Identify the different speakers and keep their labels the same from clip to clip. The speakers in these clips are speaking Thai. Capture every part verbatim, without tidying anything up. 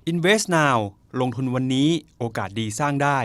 Speaker 1: Invest Now ลงทุนวันนี้โอกาสดีสร้างได้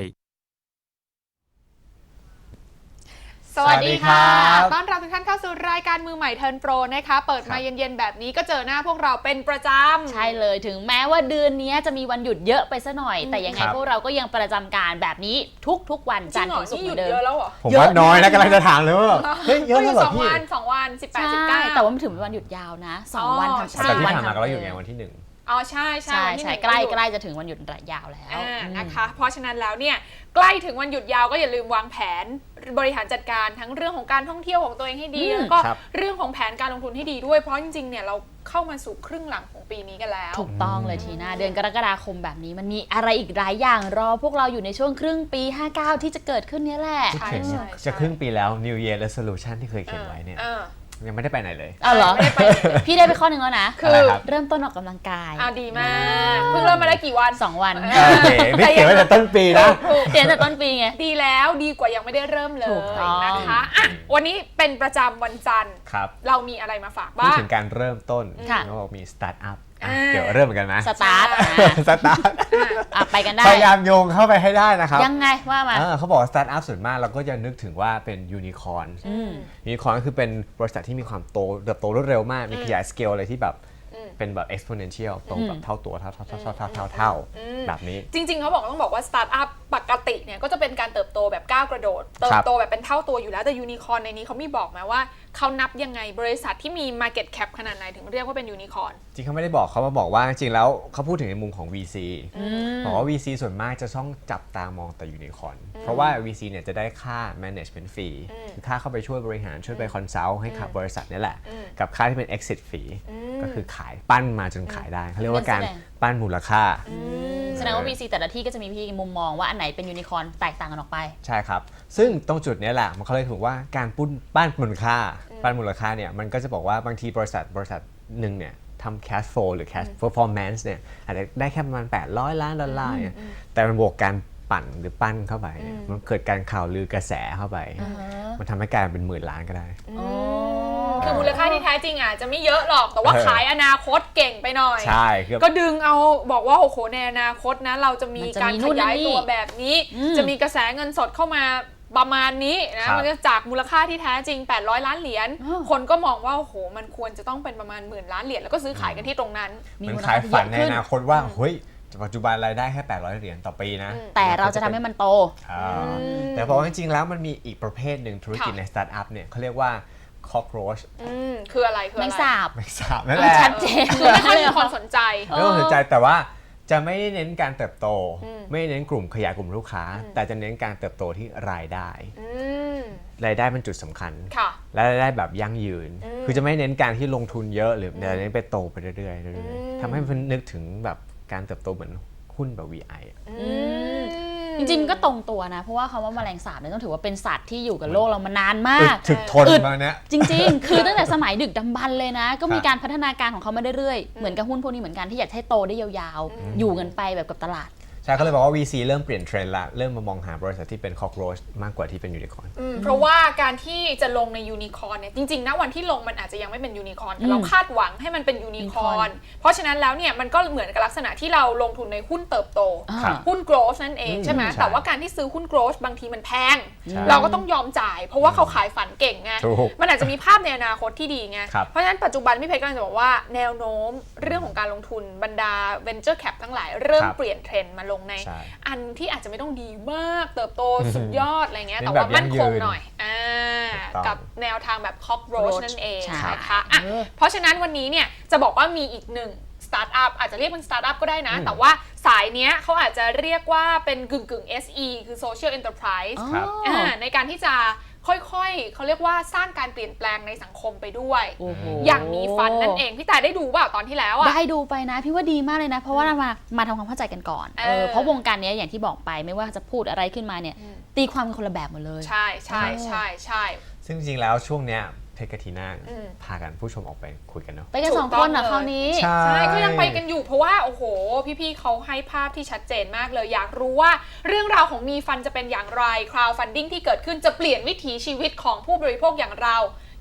Speaker 2: สวัสดีค่ะต้อนรับทุกท่านเข้าสู่รายการมือใหม่เทิร์นโปรนะคะเปิดมาเย็นๆแบบนี้ก็เจอหน้าพวกเราเป็นประจำ
Speaker 3: ใช่เลยถึงแม้ว่าเดือนนี้จะมีวันหยุดเยอะไปซะหน่อยแต่ยังไงพวกเราก็ยังประจำการแบบนี้ทุกๆวันจันทร์ถึงศุกร์เหมือนเดิม
Speaker 4: ผมว่าน้อยนะกำลังจะถามเลยว่าเฮ้ยเยอะแล้วเหรอพี่
Speaker 2: สองวันสองวันสิบแปด สิบเก้า
Speaker 3: แต่ว่ามันถึงวันหยุดยาวนะสองวันทำ
Speaker 4: แต่ที่ผ่านมาก็หยุดไงวันที่หนึ่ง
Speaker 2: อ๋อใช่ใช่
Speaker 3: ใช่ใกล้ใกล้จะถึงวันหยุดยาวแล้ว
Speaker 2: นะคะเพราะฉะนั้นแล้วเนี่ยใกล้ถึงวันหยุดยาวก็อย่าลืมวางแผนบริหารจัดการทั้งเรื่องของการท่องเที่ยวของตัวเองให้ดีแล้วก็เรื่องของแผนการลงทุนให้ดีด้วยเพราะจริงๆเนี่ยเราเข้ามาสู่ครึ่งหลังของปีนี้กันแล้ว
Speaker 3: ถูกต้องเลยทีน่าเดือนกรกฎาคมแบบนี้มันมีอะไรอีกหลายอย่างรอพวกเราอยู่ในช่วงครึ่งปีห้าเก้าที่จะเกิดขึ้นนี้แหละ
Speaker 4: ใช่ใช่จะครึ่งปีแล้ว New Year Resolution ที่เคยเขียนไว้เนี่ยยังไม่ได้ไปไหนเลย
Speaker 3: อ้าวเหรอพี่ได้ไปข้อหนึ่งแล้วนะคือเริ่มต้นออกกำลังกาย
Speaker 2: อ้าวดีมากเพิ่งเริ่มมาได้กี่วัน
Speaker 3: สองวัน
Speaker 4: โอเคไม่เขียนไว้แต่ต้นปีนะ
Speaker 3: เขียนแต่ต้นปีไง
Speaker 2: ดีแล้วดีกว่ายังไม่ได้เริ่มเลยนะคะอ่ะวันนี้เป็นประจำวันจันทร์เรามีอะไรมาฝากบ้าง
Speaker 4: พูดถึงการเริ่มต้นเราบอกมีสตาร์ทอัพเกี่ยวเริ่มเหมือนกันไหม
Speaker 3: สตาร์ท
Speaker 4: สตาร์ท
Speaker 3: ไปกันได้
Speaker 4: พยายามโยงเข้าไปให้ได้นะครับ
Speaker 3: ยังไงว่ามา
Speaker 4: เขาบอกสตาร์ทอัพส่วนมากเราก็จะนึกถึงว่าเป็นยูนิคอร์นยูนิคอร์นก็คือเป็นบริษัทที่มีความโตเติบโตรวดเร็วมากมีขยายสเกลอะไรที่แบบเป็นแบบ exponential โตแบบเท่าตัวเท่าเท่าเท่าเท่าเท่าเท่าเท่าแบบนี้
Speaker 2: จริงๆเขาบอกต้องบอกว่าสตาร์ทอัพปกติเนี่ยก็จะเป็นการเติบโตแบบก้าวกระโดดเติบโตแบบเป็นเท่าตัวอยู่แล้วแต่ยูนิคอร์นในนี้เขามีบอกไหมว่าเขานับยังไงบริษัทที่มี market cap ขนาดไหนถึงเรียกว่าเป็นยูนิคอร์น
Speaker 4: จริงเขาไม่ได้บอกเขามาบอกว่าจริงๆแล้วเขาพูดถึงในมุมของ วี ซี บอกว่า วี ซี ส่วนมากจะต้องจับตามองแต่ยูนิคอร์นเพราะว่า วี ซี เนี่ยจะได้ค่า management fee คือค่าเข้าไปช่วยบริหารช่วยไป consult ให้กับบริษัทนี่แหละกับค่าที่เป็น exit fee ก็คือขายปั้นมาจนขายได้เขาเรียกว่าการปั้นมูลค่า
Speaker 3: แสดงว่า วี ซี แต่ละที่ก็จะมีพี่มุมมองว่าอันไหนเป็นยูนิคอร์นแตกต่างกันออกไป
Speaker 4: ใช่ครับซึ่งตรงจุดนี้แหละมันเขาเลยถือว่าการปุ้นปั้นมูลค่าปั้นมูลค่าเนี่ยมันก็จะบอกว่าบางทีบริษัทบริษัทหนึ่งเนี่ยทำ cash flow หรือ cash performance เนี่ยอาจจะได้แค่ประมาณแปดร้อยล้านดอลลาร์เนี่ยแต่มันบวกการปั่นหรือปั้นเข้าไปมันเกิดการข่าวลือกระแสเข้าไปมันทำให้กลายเป็นหมื่นล้านก็ได้
Speaker 2: คือมูลค่าที่แท้จริงอ่ะจะไม่เยอะหรอกแต่ว่าขายอนาคตเก่งไปหน่อย
Speaker 4: ใช่
Speaker 2: ก็ดึงเอาบอกว่าโอ้โหในอนาคตนะเราจะมีการขยายตัวแบบนี้จะมีกระแสเงินสดเข้ามาประมาณนี้นะมันจะจากมูลค่าที่แท้จริงแปดร้อยล้านเหรียญคนก็มองว่าโอ้โหมันควรจะต้องเป็นประมาณหมื่นล้านเหรียญแล้วก็ซื้อขายกันที่ตรงนั้น
Speaker 4: มันขายฝันในอนาคตว่าเฮ้ยปัจจุบันรายได้แค่แปดร้อยเหรียญต่อปีนะ
Speaker 3: แต่เราจะทำให้มันโต
Speaker 4: แต่บอกว่าจริงๆแล้วมันมีอีกประเภทหนึ่งธุรกิจในสตาร์ทอัพเนี่ยเขาเรียกว่า cockroach
Speaker 2: คืออะไรคืออะไร
Speaker 3: ไม่ทราบ
Speaker 4: ไม่ทราบนั่นแหละ
Speaker 3: ชัดเจน
Speaker 2: คือไม่ค่อยมีคนสนใจ
Speaker 4: ไม่ต้องสนใจแต่ว่าจะไม่ได้เน้นการเติบโตไม่เน้นกลุ่มขยายกลุ่มลูกค้าแต่จะเน้นการเติบโตที่รายได้รายได้เป็นจุดสำคัญและรายได้แบบยั่งยืนคือจะไม่เน้นการที่ลงทุนเยอะหรือแต่เน้นไปโตไปเรื่อยๆทำให้มันนึกถึงแบบการเติบโตเหมือนหุ้นแบบ วี ไอ
Speaker 3: จริงๆก็ตรงตัวนะเพราะว่าคำว่าแมลงสาบเนี่ยต้องถือว่าเป็นสัตว์ที่อยู่กับโลกเรามานานมาก
Speaker 4: ถึกทนมาเนี้ย
Speaker 3: จริงๆคือตั้งแต่สมัยดึกดำบรรพ์เลยนะก็มีการพัฒนาการของเขามาเรื่อยๆเหมือนกับหุ้นพวกนี้เหมือนกันที่อยากให้โตได้ยาวๆอยู่กันไปแบบกับตลาด
Speaker 4: ใช่เขาเลยบอกว่า วี ซี เริ่มเปลี่ยนเทรนด์ละเริ่มมามองหาบริษัทที่เป็น cockroach มากกว่าที่เป็นยูนิคอร์น
Speaker 2: เพราะว่าการที่จะลงในยูนิคอร์นเนี่ยจริงๆนะวันที่ลงมันอาจจะยังไม่เป็นยูนิคอร์นแต่เราคาดหวังให้มันเป็นยูนิคอร์นเพราะฉะนั้นแล้วเนี่ยมันก็เหมือนกับลักษณะที่เราลงทุนในหุ้นเติบโตหุ้น growth นั่นเองใช่ไหมแต่ว่าการที่ซื้อหุ้น growth บางทีมันแพงเราก็ต้องยอมจ่ายเพราะว่าเขาขายฝันเก่งไงมันอาจจะมีภาพในอนาคตที่ดีไงเพราะฉะนั้นปัจจุบันพี่เพชรกำลังจะบอกว่าแนวโน้มเรื่องของการลงทุนบรรดา venture cap ทั้งหลายเริ่มเปลี่ยนเทรนด์มาลงในอันที่อาจจะไม่ต้องดีมากเติบโตสุดยอดอะไรเงี้ยแต่ว่ามั่นคงหน่อยอ่ากับแนวทางแบบ cockroach นั่นเองนะคะอ่ะเพราะฉะนั้นวันนี้เนี่ยจะบอกว่ามีอีกหนึ่งสตาร์ทอัพอาจจะเรียกเป็นสตาร์ทอัพก็ได้นะแต่ว่าสายเนี้ยเขาอาจจะเรียกว่าเป็นกึ่งกึ่ง เอส อี คือ social enterprise ในการที่จะค่อยๆเขาเรียกว่าสร้างการเปลี่ยนแปลงในสังคมไปด้วยอย่างมีฟันนั่นเองพี่แต่ได้ดูเปล่าตอนที่แล้วอ่ะ
Speaker 3: ได้ดูไปนะพี่ว่าดีมากเลยนะเพราะว่าเรามามาทำความเข้าใจกันก่อนเออเพราะวงการนี้อย่างที่บอกไปไม่ว่าจะพูดอะไรขึ้นมาเนี่ยตีความเป็นคนละแบบหมดเลย
Speaker 2: ใช่ใช่ใช่ใช่
Speaker 4: ซึ่งจริงๆแล้วช่วงเนี้ยเพชรกับทีน่าพากันผู้ชมออกไปคุยกันเนาะ
Speaker 3: ไปกันสองคนเหรอคราวนี้
Speaker 2: ใช่ก็ยังไปกันอยู่เพราะว่าโอ้โหพี่ๆเขาให้ภาพที่ชัดเจนมากเลยอยากรู้ว่าเรื่องราวของมีฟันจะเป็นอย่างไร crowdfunding ที่เกิดขึ้นจะเปลี่ยนวิถีชีวิตของผู้บริโภคอย่างเรา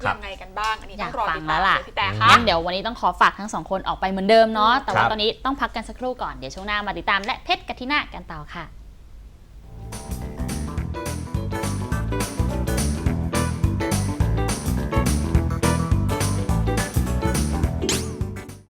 Speaker 2: ยังไงกันบ้างอันนี้ต้องรอ
Speaker 3: อยากฟั
Speaker 2: ติ
Speaker 3: ง
Speaker 2: ด
Speaker 3: แล้
Speaker 2: ตาม
Speaker 3: วล่ะ
Speaker 2: เลยพี่แต่ค่ะ
Speaker 3: งั้นเดี๋ยววันนี้ต้องขอฝากทั้งสองคนออกไปเหมือนเดิมเนาะแต่ว่า
Speaker 4: ครับ
Speaker 3: ตอนนี้ต้องพักกันสักครู่ก่อนเดี๋ยวช่วงหน้ามาติดตามและเพชรกับทีน่ากันต่อค่ะ